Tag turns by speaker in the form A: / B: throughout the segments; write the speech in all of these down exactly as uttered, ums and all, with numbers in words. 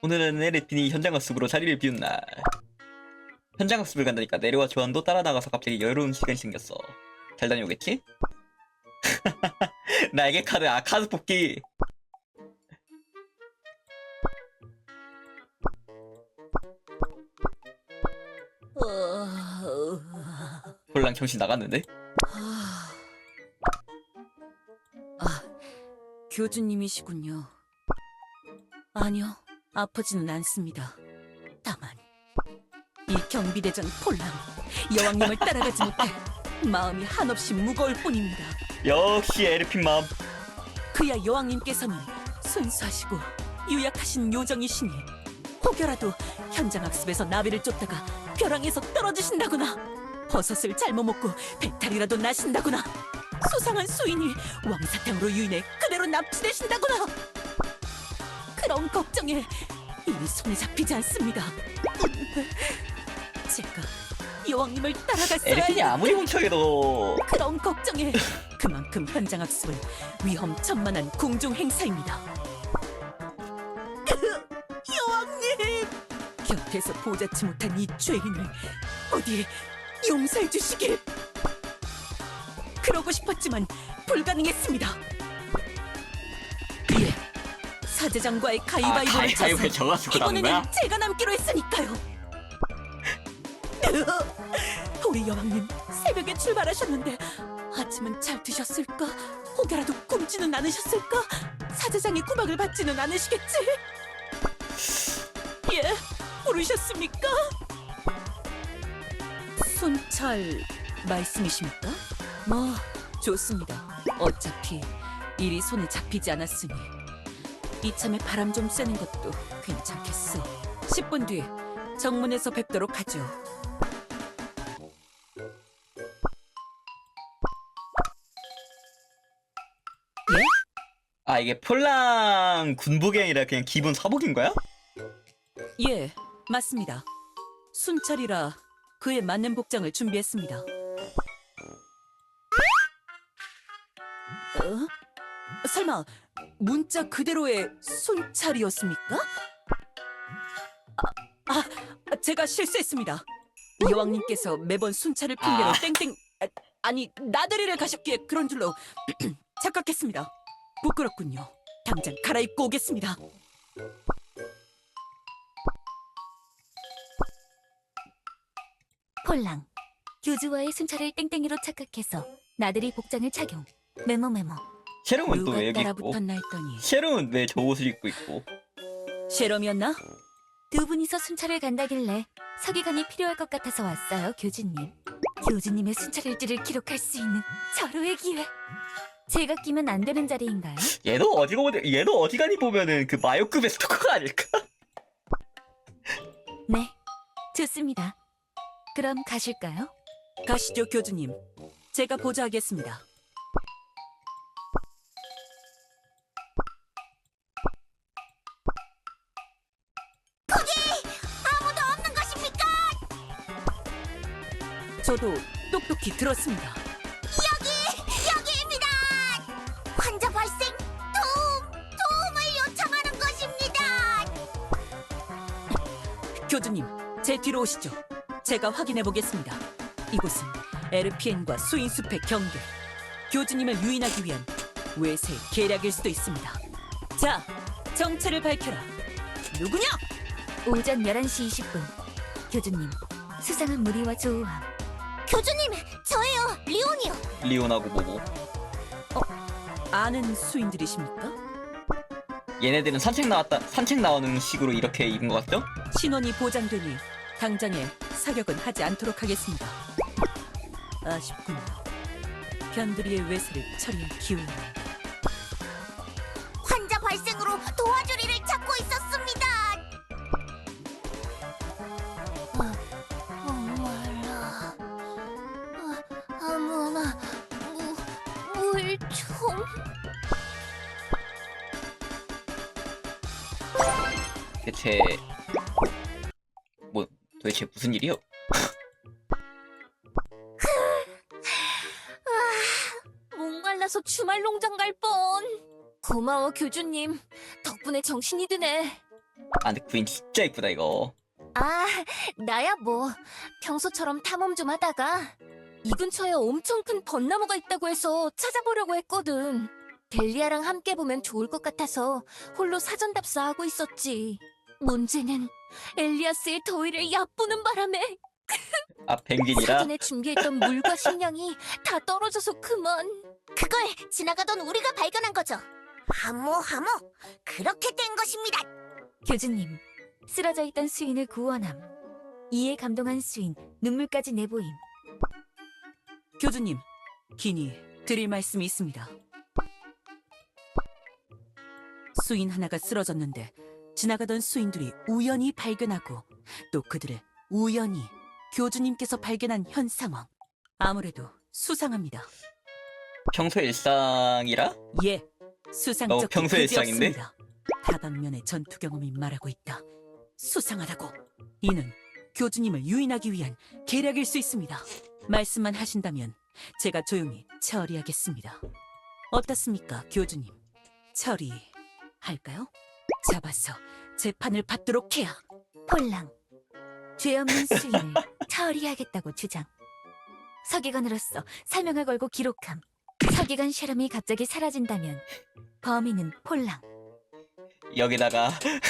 A: 오늘은 에르핀이 현장학습으로 자리를 비운 날. 현장학습을 간다니까 내려와 조안도 따라 나가서 갑자기 여유로운 시간이 생겼어. 잘 다녀오겠지? 나에게 카드, 아 카드 뽑기. 홀랑 정신 나갔는데?
B: 아, 교주님이시군요. 아니요, 아프지는 않습니다. 다만 이 경비대장 폴랑, 여왕님을 따라가지 못해 마음이 한없이 무거울 뿐입니다.
A: 역시 에르핀 마음.
B: 그야 여왕님께서는 순수하시고 유약하신 요정이시니 혹여라도 현장학습에서 나비를 쫓다가 벼랑에서 떨어지신다거나 버섯을 잘못 먹고 배탈이라도 나신다거나 수상한 수인이 왕사탕으로 유인해 그대로 납치되신다거나 그런 걱정에 일이 손에 잡히지 않습니다. 제가 여왕님을 따라갔어야
A: 에르핀이
B: 했는데
A: 아무리 훔쳐해도
B: 그런 걱정에 그만큼 현장학습은 위험천만한 궁중 행사입니다. 여왕님! 곁에서 보잡지 못한 이 죄인을 어디 용서해 주시길. 그러고 싶었지만 불가능했습니다. 예, 사제장과의
A: 아
B: 가위바위보를
A: 가위바위보에
B: 쳐서
A: 져가지고 남은 거야?
B: 이번에는 제가 남기로 했으니까요. 우리 여왕님 새벽에 출발하셨는데 아침은 잘 드셨을까? 혹여라도 굶지는 않으셨을까? 사제장의 구박을 받지는 않으시겠지? 예, 부르셨습니까? 순찰 말씀이십니까? 뭐 좋습니다. 어차피 일이 손에 잡히지 않았으니 이참에 바람 좀 쐬는 것도 괜찮겠어. 십 분 뒤 정문에서 뵙도록 하죠.
A: 아 이게 폴랑 군복이 아니라 그냥 기본 사복인 거야?
B: 예, 맞습니다. 순찰이라 그에 맞는 복장을 준비했습니다. 어? 설마 문자 그대로의 순찰이었습니까? 아, 아, 제가 실수했습니다. 여왕님께서 매번 순찰을 핑계로
A: 아.
B: 땡땡 아, 아니 나들이를 가셨기에 그런 줄로 착각했습니다. 부끄럽군요. 당장 갈아입고 오겠습니다.
C: 폴랑, 교주와의 순찰을 땡땡이로 착각해서 나들이 복장을 착용. 메모 메모.
A: 셰롬은 또
B: 누가
A: 왜 여기 있고?
B: 따라붙었나 했더니
A: 셰롬은 왜 저 옷을 입고 있고?
B: 셰럼이었나?
C: 두 분이서 순찰을 간다길래 서기관이 필요할 것 같아서 왔어요, 교주님. 교주님의 순찰 일지를 기록할 수 있는 절호의 기회. 제가 끼면 안 되는 자리인가요?
A: 얘도 어디가 어디 얘도 어디가니 보면은 그 마요급의 스토커가 아닐까?
C: 네, 좋습니다. 그럼 가실까요?
B: 가시죠, 교주님. 제가 보좌하겠습니다.
C: 아무도 없는 것입니까?
B: 저도 똑똑히 들었습니다.
C: 여기입니다. 환자 발생. 도움, 도움을 요청하는 것입니다.
B: 교주님, 제 뒤로 오시죠. 제가 확인해 보겠습니다. 이곳은 에르피엔과 수인숲의 경계. 교주님을 유인하기 위한 외세의 계략일 수도 있습니다. 자, 정체를 밝혀라. 누구냐?
C: 오전 열한 시 이십 분. 교주님, 수상한 무리와 조우함. 교주님, 저예요. 리온이요.
A: 리온하고 뭐고?
B: 아는 수인들이십니까?
A: 얘네들은 산책 나왔다 산책 나오는 식으로 이렇게 입은 것 같죠?
B: 신원이 보장되니 당장에 사격은 하지 않도록 하겠습니다. 아쉽군요. 변두리의 외세를 처리할 기회는.
C: 환자 발생으로 도와주리를 찾고 있었습니다. 어, 목말라. 어, 아무나 물 좀.
A: 대체 뭐 도대체 무슨 일이요?
C: 목말라서 주말 농장 갈 뻔. 고마워 교주님. 덕분에 정신이 드네.
A: 아 근데 구인 진짜 이쁘다 이거.
C: 아, 나야 뭐 평소처럼 탐험 좀 하다가 이 근처에 엄청 큰 벚나무가 있다고 해서 찾아보려고 했거든. 델리아랑 함께 보면 좋을 것 같아서 홀로 사전 답사하고 있었지. 문제는 엘리아스의 더위를 얕보는 바람에
A: 아 펭귄이라?
C: 사전에 준비했던 물과 식량이 다 떨어져서 그만. 그걸 지나가던 우리가 발견한 거죠. 하모 하모, 그렇게 된 것입니다. 교주님, 쓰러져 있던 수인을 구원함. 이에 감동한 수인, 눈물까지 내보임.
B: 교주님, 긴히 드릴 말씀이 있습니다. 수인 하나가 쓰러졌는데 지나가던 수인들이 우연히 발견하고 또 그들을 우연히 교주님께서 발견한 현 상황. 아무래도 수상합니다.
A: 평소 일상이라?
B: 예, 수상적
A: 어, 평소의 일상인데?
B: 없습니다. 다방면의 전투 경험이 말하고 있다. 수상하다고. 이는 교주님을 유인하기 위한 계략일 수 있습니다. 말씀만 하신다면 제가 조용히 처리하겠습니다. 어떻습니까, 교주님? 처리할까요? 잡아서 재판을 받도록 해야.
C: 폴랑, 죄 없는 수인을 처리하겠다고 주장. 서기관으로서 사명을 걸고 기록함. 서기관 셰럼이 갑자기 사라진다면 범인은 폴랑.
A: 여기다가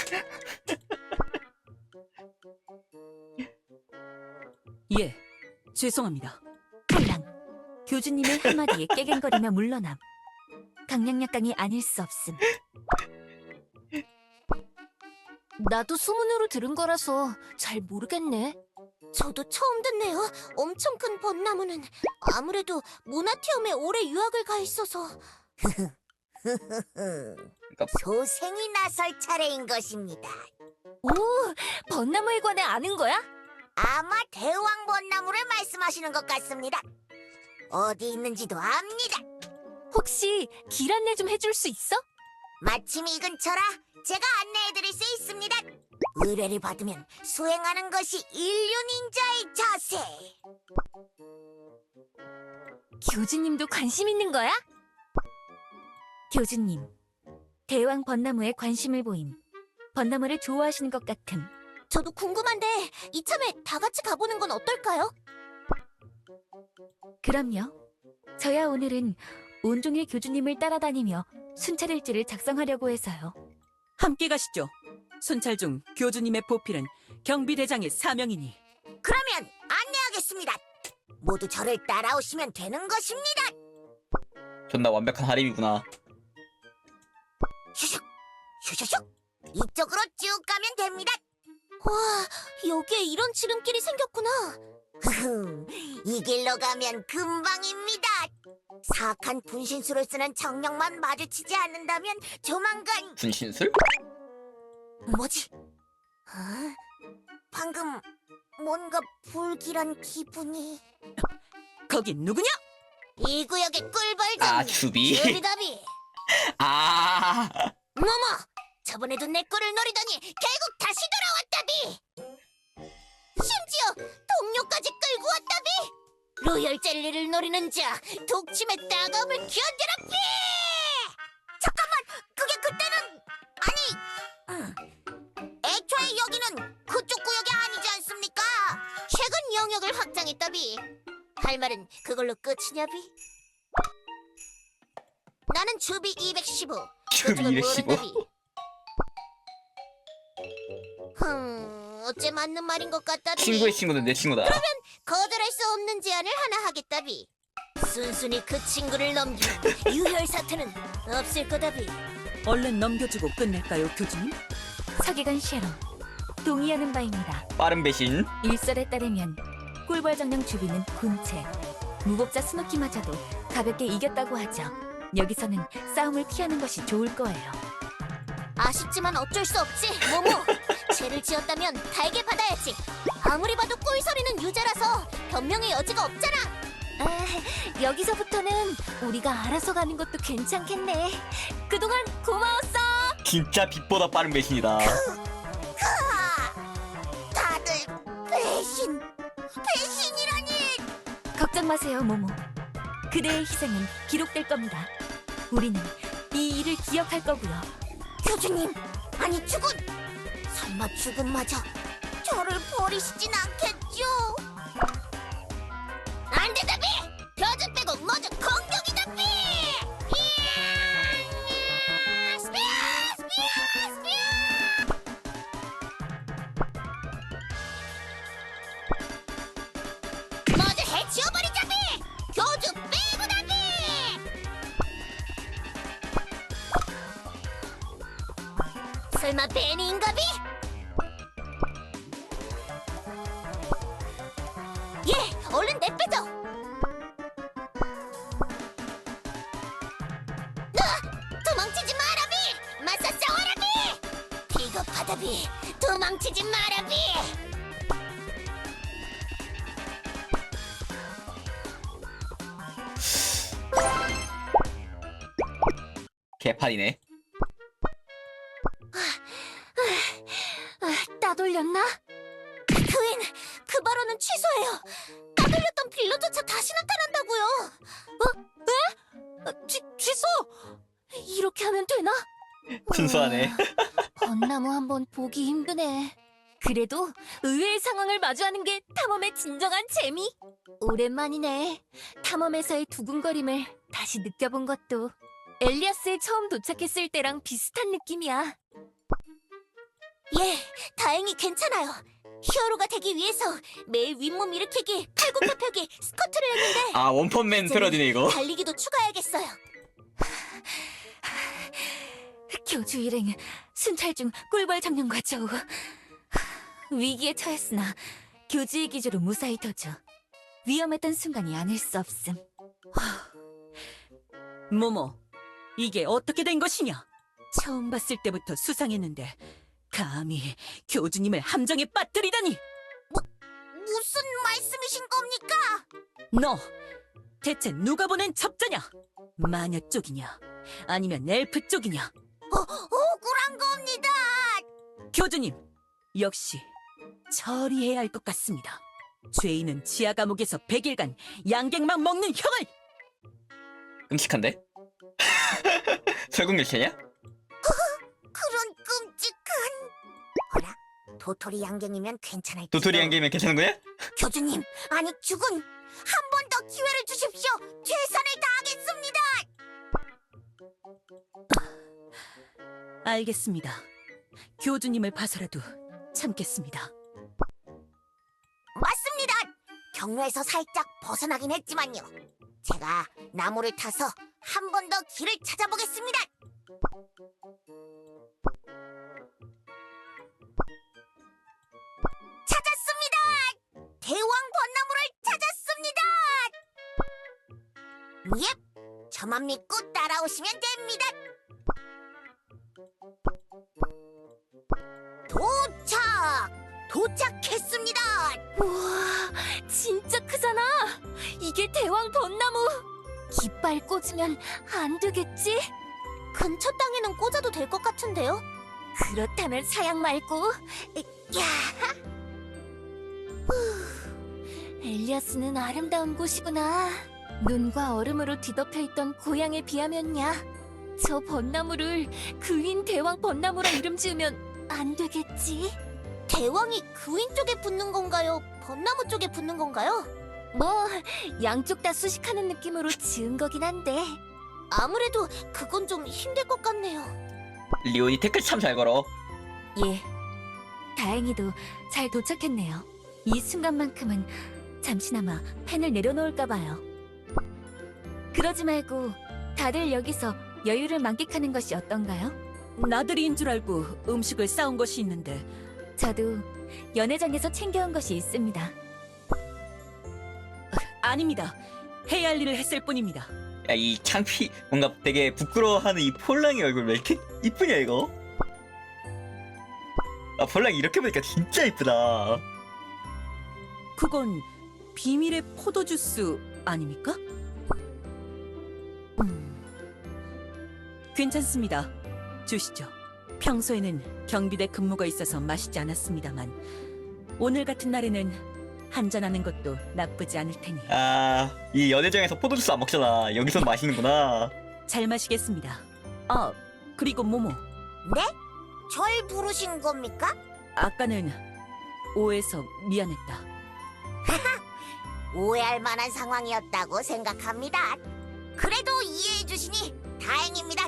B: 예, 죄송합니다.
C: 폴랑, 교주님의 한마디에 깨갱거리며 물러남. 강량약강이 아닐 수 없음. 나도 소문으로 들은 거라서 잘 모르겠네. 저도 처음 듣네요. 엄청 큰 벚나무는 아무래도 모나티엄에 오래 유학을 가 있어서.
A: 그러니까
C: 소생이 나설 차례인 것입니다. 오, 벚나무에 관해 아는 거야? 아마 대왕 벚나무를 말씀하시는 것 같습니다. 어디 있는지도 압니다. 혹시 길 안내 좀 해줄 수 있어? 마침 이 근처라 제가 안내해드릴 수 있습니다. 의뢰를 받으면 수행하는 것이 인류 닌자의 자세. 교주님도 관심 있는 거야? 교주님, 대왕 벚나무에 관심을 보임. 벚나무를 좋아하시는 것 같음. 저도 궁금한데 이참에 다 같이 가보는 건 어떨까요? 그럼요. 저야 오늘은 온종일 교주님을 따라다니며 순찰일지를 작성하려고 해서요.
B: 함께 가시죠. 순찰 중 교주님의 보필은 경비대장의 사명이니.
C: 그러면 안내하겠습니다. 모두 저를 따라오시면 되는 것입니다.
A: 존나 완벽한 하림이구나.
C: 슈슉, 슈슈슉. 이쪽으로 쭉 가면 됩니다. 와, 여기에 이런 지름길이 생겼구나. 이 길로 가면 금방입니다. 사악한 분신술을 쓰는 정령만 마주치지 않는다면 조만간...
A: 분신술?
C: 뭐지? 어? 방금 뭔가 불길한 기분이...
B: 거긴 누구냐?
C: 이 구역의 꿀벌장
A: 아, 주비?
C: 주비더비.
A: 아
C: 뭐뭐, 저번에도 내 꿀을 노리더니 결국 다시 돌아왔다비. 심지어 동료까지 끌고 왔다비. 로열 젤리를 노리는 자, 독침의 따가움을 견뎌라비. 잠깐만, 그게 그때는... 아니, 음. 애초에 여기는 그쪽 구역이 아니지 않습니까? 최근 영역을 확장했다비. 할 말은 그걸로 끝이냐비? 나는 주비 이백십오.
A: 주비
C: 그쪽은
A: 이백십오?
C: 모른다비. 흠, 어째 맞는 말인 것 같다비.
A: 친구의 친구는 내 친구다.
C: 거절할 수 없는 제안을 하나 하겠다비. 순순히 그 친구를 넘기면 유혈 사태는 없을 거다비.
B: 얼른 넘겨주고 끝낼까요, 교주님?
C: 서기관 셰럼, 동의하는 바입니다.
A: 빠른 배신.
C: 일설에 따르면 꿀벌 정령 주비는 군체, 무법자 스노키마저도 가볍게 이겼다고 하죠. 여기서는 싸움을 피하는 것이 좋을 거예요. 아쉽지만 어쩔 수 없지, 모모. 죄를 지었다면 달게 받아야지. 아무리 봐도 꿀소리는 유죄라서 변명의 여지가 없잖아. 아, 여기서부터는 우리가 알아서 가는 것도 괜찮겠네. 그동안 고마웠어.
A: 진짜 빛보다 빠른 배신이다.
C: 다들 배신, 배신이라니. 걱정 마세요, 모모. 그대의 희생은 기록될 겁니다. 우리는 이 일을 기억할 거고요. 교주님, 아니 죽은 설마 죽음마저 저를 버리시진 않겠죠? 안 된다, 비! 표준 빼고 모두 공격이다, 비! 이야! 스피어! 스피어! 스피어! 모두 해치워버리자, 비! 교주 빼고다, 비! 설마 베니인가, 비? 예, 얼른 내빼줘. 아, 도망치지 마라, 비. 맞서 싸워라, 비. 비겁하다, 비. 도망치지 마라, 비.
A: 개판이네.
C: 아, 따돌렸나? 그인, 그 발언은 취소해요. 따돌렸던 빌런조차 다시 나타난다고요. 어? 에? 아, 취, 취소? 이렇게 하면 되나?
A: 순수하네.
C: 음, 벚나무 한번 보기 힘드네. 그래도 의외의 상황을 마주하는 게 탐험의 진정한 재미. 오랜만이네. 탐험에서의 두근거림을 다시 느껴본 것도 엘리아스에 처음 도착했을 때랑 비슷한 느낌이야. 예, 다행히 괜찮아요. 히어로가 되기 위해서 매일 윗몸 일으키기, 팔굽혀펴기, 스쿼트를 했는데
A: 아, 원펀맨 패러디네 이거.
C: 달리기도 추가해야겠어요. 교주 일행, 순찰 중 꿀벌 장령과 저우. 위기에 처했으나 교주의 기조로 무사히 도주. 위험했던 순간이 아닐 수 없음.
B: 모모, 이게 어떻게 된 것이냐? 처음 봤을 때부터 수상했는데 감히 교주님을 함정에 빠뜨리다니!
C: 무슨 말씀이신 겁니까?
B: 너 대체 누가 보낸 첩자냐? 마녀 쪽이냐? 아니면 엘프 쪽이냐?
C: 어, 억울한 겁니다.
B: 교주님, 역시 처리해야 할 것 같습니다. 죄인은 지하 감옥에서 백 일간 양갱만 먹는 형을!
A: 끔찍한데? 설국열차냐?
C: 그런 끔찍한. 어라, 도토리 양갱이면 괜찮을
A: 도토리 양개면 괜찮은 거야?
C: 교주님, 아니 죽은 한 번 더 기회를 주십시오. 최선을 다하겠습니다.
B: 알겠습니다. 교주님을 봐서라도 참겠습니다.
C: 맞습니다. 경로에서 살짝 벗어나긴 했지만요. 제가 나무를 타서 한 번 더 길을 찾아보겠습니다. 찾았습니다. 대왕 벚나무를 찾았습니다. 예, 저만 믿고 따라오시면 됩니다. 도착! 도착했습니다. 우와, 진짜 크잖아. 이게 대왕 벚나무. 깃발 꽂으면 안 되겠지? 근처 땅에는 꽂아도 될 것 같은데요? 그렇다면 사양 말고. 야. 후, 엘리아스는 아름다운 곳이구나. 눈과 얼음으로 뒤덮여 있던 고향에 비하면야. 저 벚나무를 그윈 대왕 벚나무라 이름 지으면 안 되겠지? 대왕이 그윈 쪽에 붙는 건가요? 벚나무 쪽에 붙는 건가요? 뭐 양쪽 다 수식하는 느낌으로 지은 거긴 한데 아무래도 그건 좀 힘들 것 같네요.
A: 리온이 태클 참 잘 걸어.
C: 예, 다행히도 잘 도착했네요. 이 순간만큼은 잠시나마 펜을 내려놓을까 봐요. 그러지 말고 다들 여기서 여유를 만끽하는 것이 어떤가요?
B: 나들이인 줄 알고 음식을 싸온 것이 있는데
C: 저도 연회장에서 챙겨온 것이 있습니다.
B: 아닙니다. 해야 할 일을 했을 뿐입니다.
A: 야, 이 창피, 뭔가 되게 부끄러워하는 이 폴랑이 얼굴 왜 이렇게 이쁘냐, 이거? 아, 폴랑이 이렇게 보니까 진짜 이쁘다.
B: 그건 비밀의 포도주스 아닙니까? 음, 괜찮습니다. 주시죠. 평소에는 경비대 근무가 있어서 마시지 않았습니다만 오늘 같은 날에는 한잔하는 것도 나쁘지 않을 테니
A: 아, 이 연회장에서 포도주스 안 먹잖아. 여기서 마시는구나.
B: 잘 마시겠습니다. 아, 그리고 모모,
C: 네? 절 부르신 겁니까?
B: 아까는 오해해서 미안했다.
C: 오해할 만한 상황이었다고 생각합니다. 그래도 이해해 주시니 다행입니다.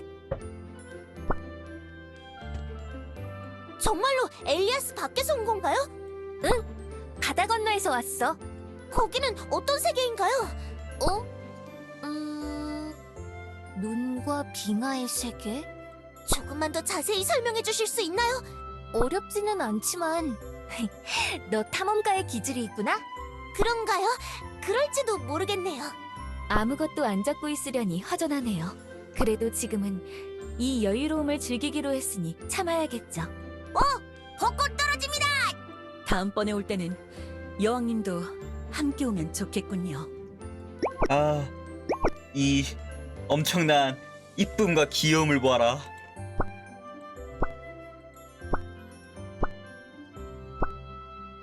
C: 정말로 엘리아스 밖에서 온 건가요? 응, 바다 건너에서 왔어. 거기는 어떤 세계인가요? 어? 음... 눈과 빙하의 세계? 조금만 더 자세히 설명해 주실 수 있나요? 어렵지는 않지만 너 탐험가의 기질이 있구나? 그런가요? 그럴지도 모르겠네요. 아무것도 안 잡고 있으려니 허전하네요. 그래도 지금은 이 여유로움을 즐기기로 했으니 참아야겠죠. 어! 벚꽃 떨어집니다!
B: 다음번에 올 때는 여왕님도 함께 오면 좋겠군요.
A: 아, 이 엄청난 이쁨과 귀여움을 보아라.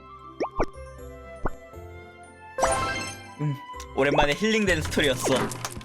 A: 음, 오랜만에 힐링되는 스토리였어.